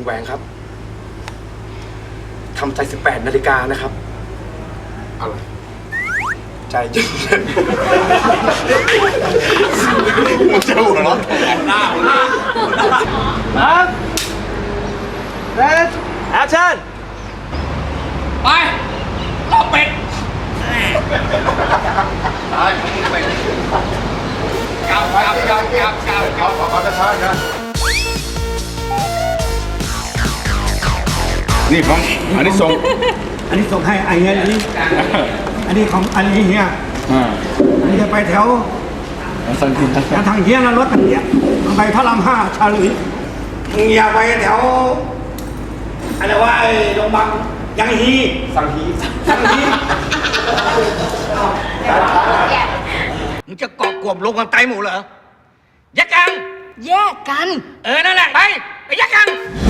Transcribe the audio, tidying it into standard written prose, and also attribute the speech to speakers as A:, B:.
A: แหวงครับทำใจ18 นาฬิกานะครับอะไรใจจริงมึงจะหัวเราะหน้าเรสแอคชั่น
B: ไปรอบเป็ดตายเป็ดกลับ
A: เขาจะช้านะ
C: นี่ของอันนี้ส่ง
D: อันนี้ส่งให้ไอ้เงี้ยอันนี้ของอันนี้เฮียอันนี้จะไปแถว
C: สังกิน
D: ทางเฮียนะรถทางเฮียไปพระราม5ชาลุยมึงอย่าไปแถวอะไรวะไอ้โรงพยาบาลยังฮีสังฮีมึงจะเกาะกวบลงกันไตหมูเหรอ
B: ยักกัน
E: แยกกัน
B: นั่นแหละไปยักกัน